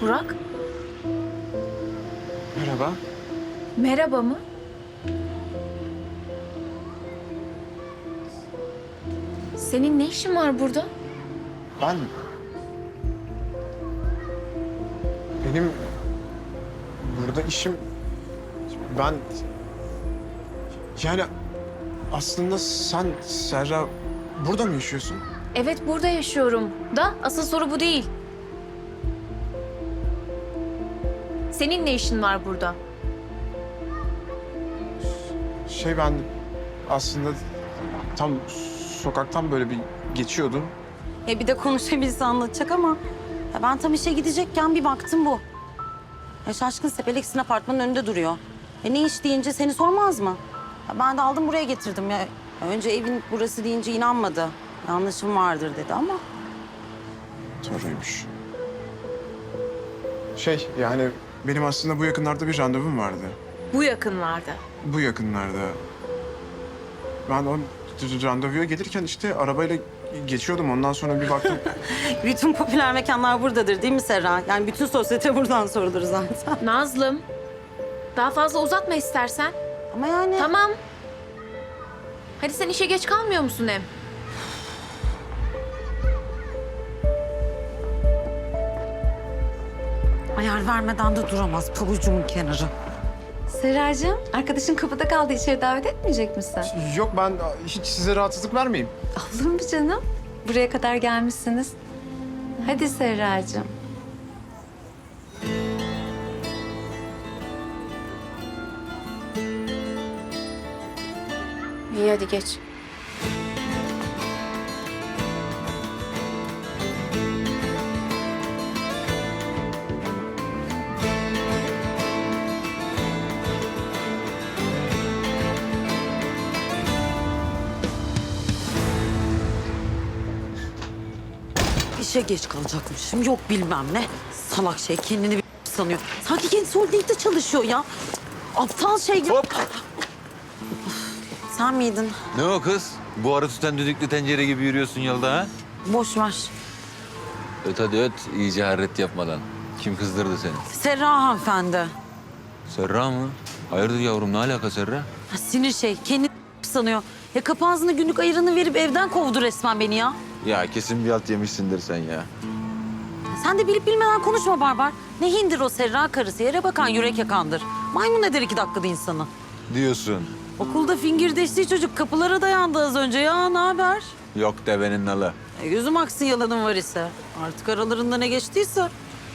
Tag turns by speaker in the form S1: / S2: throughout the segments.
S1: Burak,
S2: Merhaba.
S1: merhaba mı? Senin ne işin var burada?
S2: Benim burada işim... Ben... Yani aslında sen Serra burada mı yaşıyorsun?
S1: Evet, burada yaşıyorum. Da asıl soru bu değil. Senin ne işin var burada?
S2: Ben aslında tam sokaktan böyle bir geçiyordum.
S3: Bir de konuşabilse anlatacak ama ben tam işe gidecekken bir baktım bu. Şaşkın Sepeleksin apartmanın önünde duruyor. Ne iş deyince seni sormaz mı? Ben de aldım buraya getirdim ya. Önce evin burası deyince inanmadı. Yanlışım vardır dedi ama.
S2: Doğruymuş. Yani benim aslında bu yakınlarda bir randevum vardı.
S1: Bu yakınlarda.
S2: Bu yakınlarda. Ben o randevuya gelirken işte arabayla geçiyordum. Ondan sonra bir baktım.
S3: Bütün popüler mekanlar buradadır değil mi Serra? Yani bütün sosyete buradan sorulur zaten.
S1: Nazlım, daha fazla uzatma istersen.
S3: Ama yani...
S1: Tamam. Hadi sen işe geç kalmıyor musun hem?
S3: Ayar vermeden de duramaz pabucumun kenarı.
S4: Serracığım, arkadaşın kapıda kaldı. İçeri davet etmeyecek misin?
S2: Yok, ben hiç size rahatsızlık vermeyeyim.
S4: Olur mu canım? Buraya kadar gelmişsiniz. Hadi Serracığım.
S1: İyi hadi geç.
S3: İşe geç kalacakmışım. Yok bilmem ne. Salak şey kendini bir sanıyor. Sanki kendisi holdingde çalışıyor ya. Aptal şey gibi.
S5: Hop!
S3: Sen miydin?
S5: Ne o kız? Bu arı tutan düdüklü tencere gibi yürüyorsun yolda ha?
S3: Boş ver.
S5: Öt hadi öt, iyice harret yapmadan. Kim kızdırdı seni?
S3: Serra hanımefendi.
S5: Serra mı? Hayırdır yavrum, ne alaka Serra?
S3: Ha, sinir şey. Kendini sanıyor. Ya kapı ağzına günlük ayırını verip evden kovdu resmen beni ya.
S5: Ya kesin bir alt yemişsindir sen ya.
S3: Sen de bilip bilmeden konuşma Barbar. Ne hindir o Serra karısı. Yere bakan yürek yakandır. Maymun eder 2 dakikada insanı.
S5: Diyorsun.
S3: Okulda fingirdeştiği çocuk kapılara dayandı az önce. Ya ne haber?
S5: Yok devenin nalı.
S3: Gözüm aksın yalanın var ise. Artık aralarında ne geçtiyse.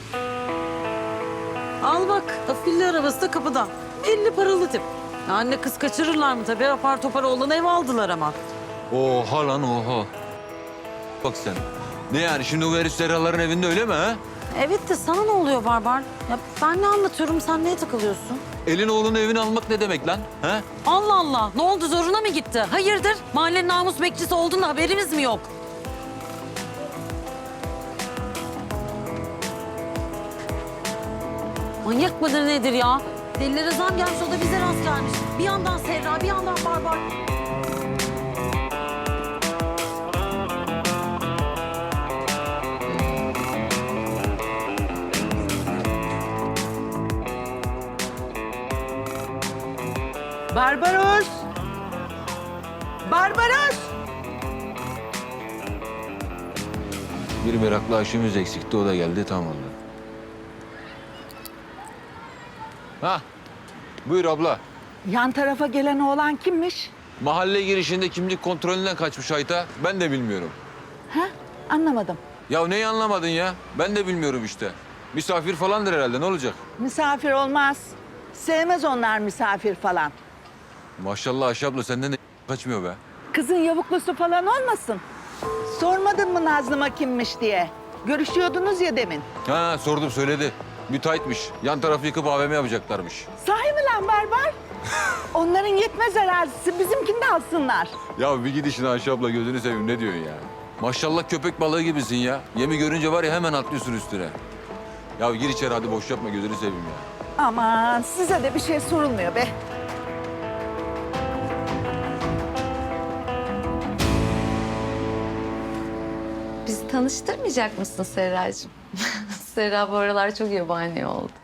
S3: Al bak, afilli arabası da kapıda. 50 paralı tip. Ya anne kız kaçırırlar mı tabii? Apar topar oğlanı ev aldılar ama.
S5: Oha lan oha. Bak sen. Ne yani şimdi bu herif Serraların evinde öyle mi ha?
S3: Evet de sana ne oluyor Barbar? Ya ben ne anlatıyorum, sen neye takılıyorsun?
S5: Elin oğlunun evini almak ne demek lan? Ha?
S3: Allah Allah, ne oldu zoruna mı gitti? Hayırdır? Mahallenin namus bekçisi olduğunda haberimiz mi yok? Manyak mıdır nedir ya? Delilere zam gelmiş, o da bize rast gelmiş. Bir yandan Serra, bir yandan Barbar.
S6: Barbaros! Barbaros!
S5: Bir meraklı aşımız eksikti, o da geldi, tam oldu. Ha, buyur abla.
S6: Yan tarafa gelen oğlan kimmiş?
S5: Mahalle girişinde kimlik kontrolünden kaçmış Ayta. Ben de bilmiyorum.
S6: Ha? Anlamadım.
S5: Ya neyi anlamadın ya? Ben de bilmiyorum işte. Misafir falandır herhalde, ne olacak?
S6: Misafir olmaz. Sevmez onlar misafir falan.
S5: Maşallah Ayşe abla, senden de kaçmıyor be.
S6: Kızın yavuklusu falan olmasın. Sormadın mı Nazlı'ma kimmiş diye? Görüşüyordunuz ya demin.
S5: Ha, sordum söyledi. Müteahhitmiş. Yan tarafı yıkıp AVM yapacaklarmış.
S6: Sahi mi lan Barbar? Onların yetmez arazisi, bizimkini de alsınlar.
S5: Ya bir gidişin Ayşe abla, gözünü seveyim, ne diyorsun ya? Maşallah köpek balığı gibisin ya. Yemi görünce var ya hemen atlıyorsun üstüne. Ya gir içeri hadi, boş yapma, gözünü seveyim ya.
S6: Aman size de bir şey sorulmuyor be.
S4: Bizi tanıştırmayacak mısın Serracığım? Serra bu aralar çok yabani oldu.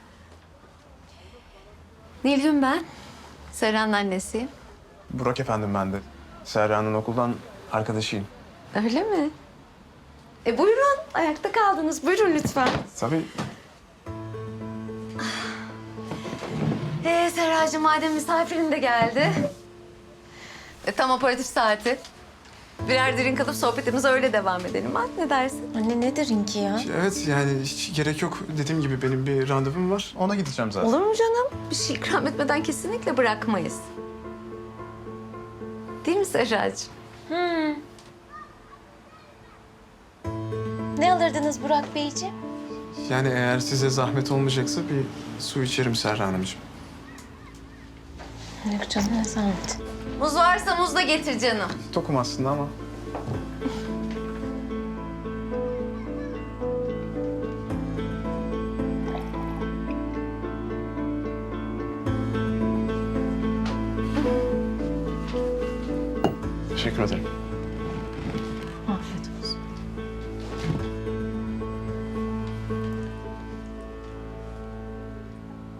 S4: Nilgün ben. Serra'nın annesiyim.
S2: Burak efendim ben de. Serra'nın okuldan arkadaşıyım.
S4: Öyle mi? Buyurun. Ayakta kaldınız. Buyurun lütfen.
S2: Tabii.
S4: Serracığım madem misafirin de geldi. Tam aperatif saati. Birer drink alıp sohbetimize öyle devam edelim. Ha? Ne dersin?
S1: Anne ne derin ki ya?
S2: Evet yani hiç gerek yok. Dediğim gibi benim bir randevum var. Ona gideceğim zaten.
S4: Olur mu canım? Bir şey ikram etmeden kesinlikle bırakmayız. Değil mi Serracığım?
S1: Ne alırdınız Burak Beyciğim?
S2: Yani eğer size zahmet olmayacaksa bir su içerim Serra Hanımcığım.
S1: Yok canım ne zahmet.
S4: Muz varsa muz da getir canım.
S2: Tokum aslında ama. Teşekkür ederim.